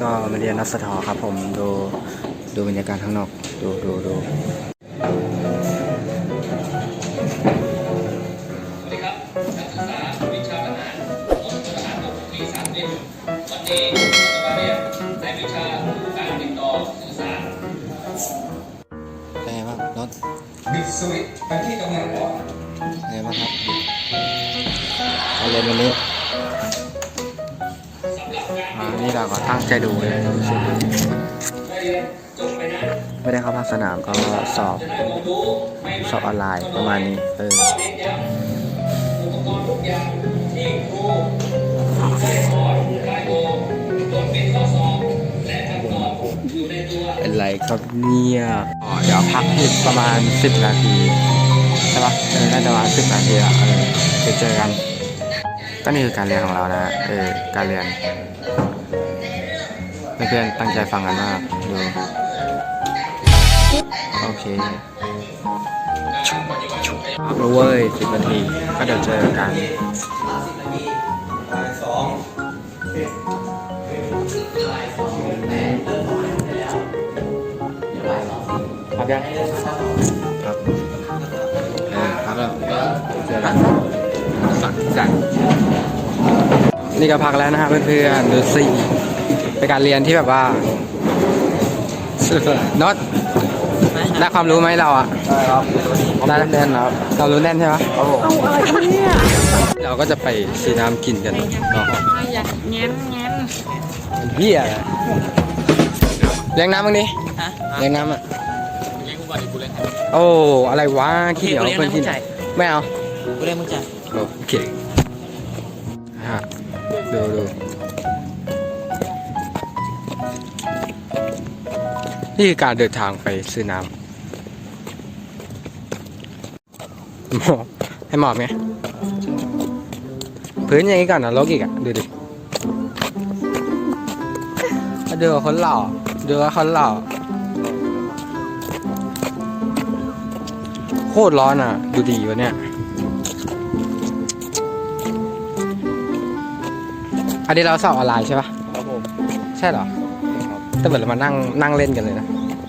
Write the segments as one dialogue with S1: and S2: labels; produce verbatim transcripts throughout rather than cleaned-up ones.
S1: ก็มาเรียนนักสถาครับผมดูดูบรรยากาศข้างนอกดูดูดู
S2: สวัสดีครับนักศึกษาวิชาอาหารของสถาบันปีสามสิบวันนี้เราจะมาเรียนในวิชาการติดต่อสื่อสาร
S1: เป็นไงบ้างรถ
S2: บิดสวิตช์ไปที่กำลังอ่อน
S1: เป็นไงบ้างครับการเรียนวันนี้นี่เราก็ตั้งใจดูเลยไม่ได้เข้าภาคสนามก็สอบสอบออนไลน์ประมาณนี้เออ
S2: อุปกรณ์ทุกอย่างที่ครูได้สอนได้โกงจดเป็นข้อสอบและคำตอบอยู่ในตัว
S1: เป็นไรครับเนี่ยอ๋อเดี๋ยวพักอีกประมาณสิบนาทีใช่ปะเออน่าจะประมาณสิบนาทีละเออไปเจอกันก็นี่คือการเรียนของเรานะเออการเรียนเพื่อนๆตั้งใจฟังกันมากดูโอเคพักเว้ยสิบนาทีก็เดี๋ยวเจอกันพักยังพักเออพักแล้วเจอกันสักกันนี่ก็พักแล้วนะฮะเพื่อนๆดูสิเป็นการเรียนที่แบบว่าน็อตได้ความรู้ไหมเราอ่ะได้ครับได้แน่นครับเรารู้แน่นใช่ไหมครับผมเอาอะไรเนี่ยเราก็จะไปซื้อน้ำกินกันเนาะ
S3: อยากแง้มแง้ม
S1: เฮียเลี้ยงน้ำมั้งดิเลี้ยงน้ำอ่ะ
S2: เลี้ยงกูก่อนดิกูเลี้ยง
S1: โอ้อะไรวะขี้เหนียวคนที่ไม่เอา
S3: กูเลี้ยงมึงจ่าย
S1: โอเคฮะดูดูนี่คือการเดินทางไปซื้อน้ำหมอบให้หมอบไงพื้นอย่างนี้ก่อนนะลกอีกอ่ะดูดิดูคนหล่อดูว่าคนหล่อโคตรร้อนอ่ะดูดีวะเนี่ยอันนี้เราสอบออนไลน์ใช่ปะครับผมใช่เหรอแต่เหมือนเรามานั่งนั่งเล่นกันเลยนะ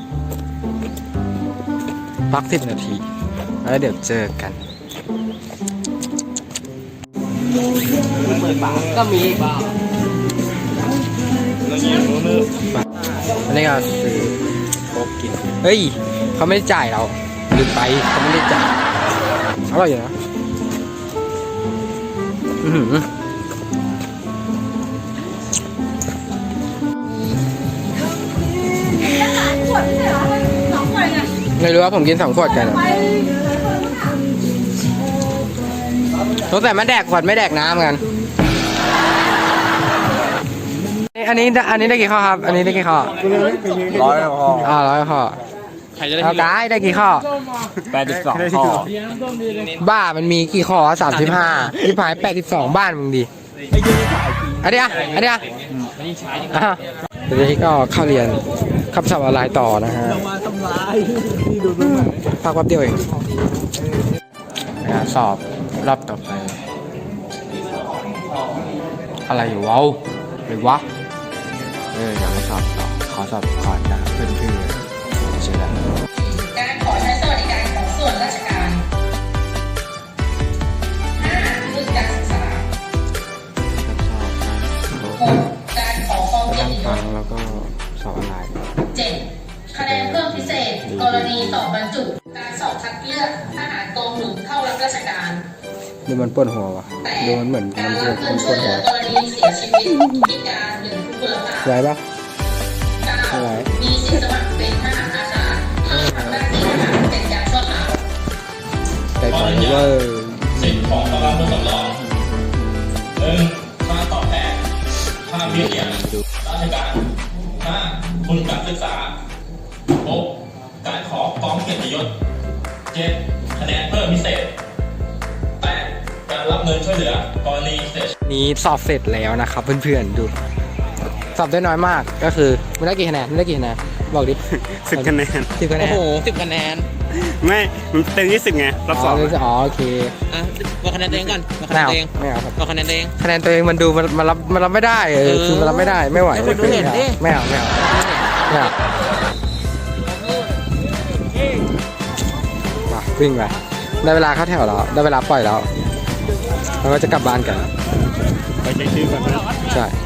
S1: พักสิบนาทีแล้วเดี๋ยวเจอกันก็มีอันนี้ก็คือโค้กกินเฮ้ยเขาไม่ได้จ่ายเราลืมไปเขาไม่ได้จ่ายอร่อยอยู่นะอือหือไม่รู้ว่าผมกินสองขวดกันสงสัยมาแดกขวดไม่แดกน้ำกันอันนี้อันนี้ได้กี่ข้อครับอันนี้ได้กี่ข้อ
S4: ร้อยข้อ
S1: อ่าร้อยข้อเอากายได้กี่ข้อ
S4: แปดสิบสองข้อ
S1: บ้ามันมีกี่ข้อสามสิบห้าที่ผายแปดสิบสองบ้านมึงดีอันนี้อ่ะอันนี้อ่ะเดี๋ยวนี้ก็เข้าเรียนขับสอบออนไลน์ต่อนะฮะพักแป๊บเดียวเองสอบรอบต่อไปอะไรอยู่วะหรือวะเอออยากไปสอบต่อขอสอบก่อนนะเพื่อนๆเชื่อแล้ว
S5: การขอใช้สวัสดิการของส่วนราชการห้าทุนการศึกษาหกการขอฟ้องเกียรติยศ
S1: แล้วก็สอบออนไลน์
S5: เจ็ดคะแนนเพิ่มพิเศษกรณีสอบบรรจุการสอบคัดเลือกทหารกองหนุนเข้ารับราชการ
S1: ดูมันปวดหัววะดูมันเหมือน
S5: การ
S1: มัน
S5: รับเงินช่วยเหลือกรณีเสียชีวิตพิการหรือทุพพลภาพ
S1: ไหวปะ
S5: เก้ามีสิทธิสมัครเป็นทหารอาสาทำหน้าที่ทหารเป็นการชั่วคราว
S1: ใจปล่อยเวอร์
S2: สิทธิ์ของกำลังพลสำรองหนึ่งค่าตอบแทนค่าเบี้ยเลี้ยงราชการห้าทุนการศึกษาหกการขอฟ้องเกียรติยศเจ็ดคะแนนเพิ่มพิเศษแปดการรับเงินช่วยเหลือกรณีเสียชีวิต
S1: นี้สอบเสร็จแล้วนะครับเพื่อนๆดูสอบได้น้อยมากก็คือไม่ได้กี่คะแนนไม่ได้กี่คะแนนบอกดิ
S4: สิบคะแนน
S1: สิบคะแนน
S3: โอ้โหสิบคะแนน
S4: ไม่มันเต็มยี่สิบไงรอบสอง
S1: อ๋อโอเค
S3: อ่ะบอกคะแนนตัวเองก่อนบอกคะ
S1: ไม่
S3: แนน
S1: เอา
S3: ตัวเอง
S1: ไม่เอาครับ
S3: บอกคะแนนตัวเอง
S1: คะแนนตัวเองมันดูมันมันรับมันรับไม่ได้เออ
S3: เออ
S1: คือมันรับไม่ได้ไม่ไหว
S3: ให้คนดูเห็นดิ
S1: ไม่เอาไม่เอาไม่เอามาวิ่งไปได้เวลาเข้าแถวแล้วได้เวลาปล่อยแล้วเราก็จะกลับบ้านกัน
S4: ไปเช็คชื่อก่อนนะ
S1: ใช่